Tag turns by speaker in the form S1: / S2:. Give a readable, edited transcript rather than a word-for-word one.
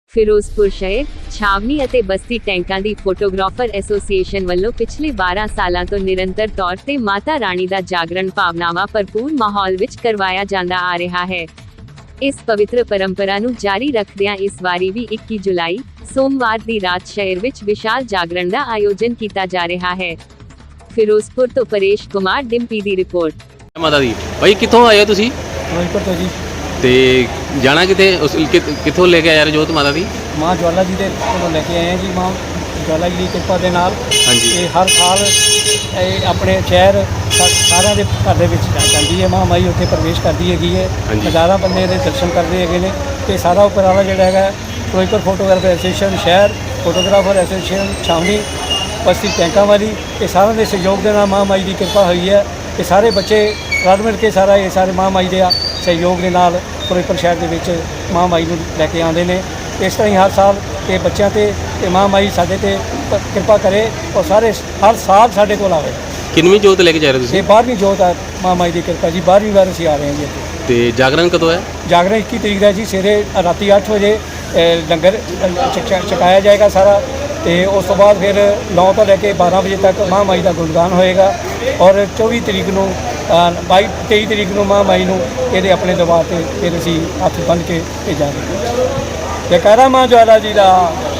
S1: ਫਿਰੋਜ਼ਪੁਰ ਸ਼ਹਿਰ ਛਾਵਨੀ ਅਤੇ ਬਸਤੀ ਟੈਂਕਾਂ ਦੀ photographer association ਵੱਲੋਂ ਪਿਛਲੇ 12 ਸਾਲਾਂ ਤੋਂ ਨਿਰੰਤਰ ਤੌਰ ਤੇ ਮਾਤਾ ਰਾਣੀ ਦਾ ਜਾਗਰਣ ਭਾਵਨਾਵਾਂ ਭਰਪੂਰ ਮਾਹੌਲ ਵਿੱਚ ਕਰਵਾਇਆ ਜਾਂਦਾ ਆ ਰਿਹਾ ਹੈ। ਇਸ ਪਵਿੱਤਰ ਪਰੰਪਰਾ ਨੂੰ ਜਾਰੀ ਰੱਖਦਿਆਂ ਇਸ ਵਾਰੀ ਵੀ 21 ਜੁਲਾਈ ਸੋਮਵਾਰ ਦੀ ਰਾਤ ਸ਼ਹਿਰ ਵਿੱਚ ਵਿਸ਼ਾਲ ਜਾਗਰਣ ਦਾ ਆਯੋਜਨ ਕੀਤਾ ਜਾ ਰਿਹਾ ਹੈ। ਫਿਰੋਜ਼ਪੁਰ ਤੋਂ ਪਰੇਸ਼ ਕੁਮਾਰ ਡਿੰਪੀ ਦੀ ਰਿਪੋर्ट।
S2: ਮਾਤਾ ਦੀ ਭਾਈ ਕਿੱਥੋਂ ਆਏ ਹੋ ਤੁਸੀਂ?
S3: ਫਿਰੋਜ਼ਪੁਰ ਤੋਂ ਜੀ।
S2: ਤੇ ਜਾਣਾ ਕਿਤੇ ਕਿੱਥੋਂ ਲੈ ਕੇ ਆਏ ਹੋ ਜੋਤ ਮਾਤਾ ਦੀ?
S3: ਮਾਂ ਜਵਾਲਾ ਜੀ ਦੇ ਕੋਲੋਂ ਲੈ ਕੇ ਆਏ ਹਾਂ ਜੀ। ਮਾਂ ਜਵਾਲਾ ਜੀ ਦੀ ਕਿਰਪਾ ਦੇ ਨਾਲ
S2: ਹਾਂਜੀ।
S3: ਇਹ ਹਰ ਸਾਲ ਇਹ ਆਪਣੇ ਸ਼ਹਿਰ ਸਾਰਿਆਂ ਦੇ ਘਰ ਦੇ ਵਿੱਚ ਜਾਂਦੀ ਹੈ। ਮਾਂ ਮਾਈ ਉੱਥੇ ਪ੍ਰਵੇਸ਼ ਕਰਦੀ ਹੈਗੀ ਹੈ।
S2: ਹਾਂਜੀ।
S3: ਹਜ਼ਾਰਾਂ ਬੰਦੇ ਦੇ ਦਰਸ਼ਨ ਕਰਦੇ ਹੈਗੇ ਨੇ। ਤੇ ਸਾਰਾ ਉਪਰਾਲਾ ਜਿਹੜਾ ਹੈਗਾ ਫਿਰੋਜ਼ਪੁਰ ਫੋਟੋਗ੍ਰਾਫਰ ਐਸੋਸੀਏਸ਼ਨ ਸ਼ਹਿਰ, ਫੋਟੋਗ੍ਰਾਫਰ ਐਸੋਸੀਏਸ਼ਨ ਛਾਵਨੀ, ਬਸਤੀ ਟੈਂਕਾਂ ਵਾਲੀ, ਇਹ ਸਾਰਿਆਂ ਦੇ ਸਹਿਯੋਗ ਦੇ ਨਾਲ ਮਾਂ ਮਾਈ ਦੀ ਕਿਰਪਾ ਹੋਈ ਹੈ ਕਿ ਸਾਰੇ ਬੱਚੇ ਰਲ ਮਿਲ ਕੇ ਇਹ ਸਾਰੇ ਮਾਂ ਮਾਈ ਦੇ ਸਹਿਯੋਗ ਦੇ ਨਾਲ ਫਿਰੋਜ਼ਪੁਰ ਸ਼ਹਿਰ ਦੇ ਵਿੱਚ ਮਾਂ ਮਾਈ ਨੂੰ ਲੈ ਕੇ ਆਉਂਦੇ ਨੇ। ਇਸ ਤਰ੍ਹਾਂ ਹੀ ਹਰ ਸਾਲ ਤੇ ਬੱਚਿਆਂ ਤੇ ਮਾਂ ਮਾਈ ਸਾਡੇ ਤੇ ਕਿਰਪਾ ਕਰੇ ਔਰ ਸਾਰੇ ਹਰ ਸਾਲ ਸਾਡੇ ਕੋਲ ਆਵੇ।
S2: ਕਿੰਨਵੀਂ ਜੋਤ ਲੈ ਕੇ ਜਾ ਰਹੇ ਹੋ ਤੁਸੀਂ?
S3: ਇਹ 12ਵੀਂ ਜੋਤ ਹੈ ਮਾਂ ਮਾਈ ਦੀ ਕਿਰਪਾ ਜੀ। 12ਵੀਂ ਵਾਰ ਅਸੀਂ ਆ ਰਹੇ ਹਾਂ ਜੀ ਇੱਥੇ।
S2: ਤੇ ਜਾਗਰਣ ਕਦੋਂ ਹੈ?
S3: ਜਾਗਰਣ 21 ਤਰੀਕ ਦਾ ਜੀ। ਸਵੇਰੇ ਰਾਤੀ 8 ਵਜੇ ਲੰਗਰ ਛਕਾਇਆ ਜਾਏਗਾ ਸਾਰਾ। ਤੇ ਉਸ ਤੋਂ ਬਾਅਦ ਫਿਰ 9 ਤੋਂ ਲੈ ਕੇ 12 ਵਜੇ ਤੱਕ ਮਾਂ ਮਾਈ ਦਾ ਗੁਣਗਾਨ ਹੋਏਗਾ। ਔਰ 24 ਤਰੀਕ ਨੂੰ 23 ਤਰੀਕ ਨੂੰ ਮਾਂ ਮਾਈ ਨੂੰ ਇਹਦੇ ਆਪਣੇ ਦਰਬਾਰ ਤੇ ਫਿਰ ਅਸੀਂ ਹੱਥ ਬੰਨ੍ਹ ਕੇ ਭੇਜਾਂਗੇ। ਜੈਕਾਰਾ ਮਾਂ ਜਵਾਲਾ ਜੀ ਦਾ।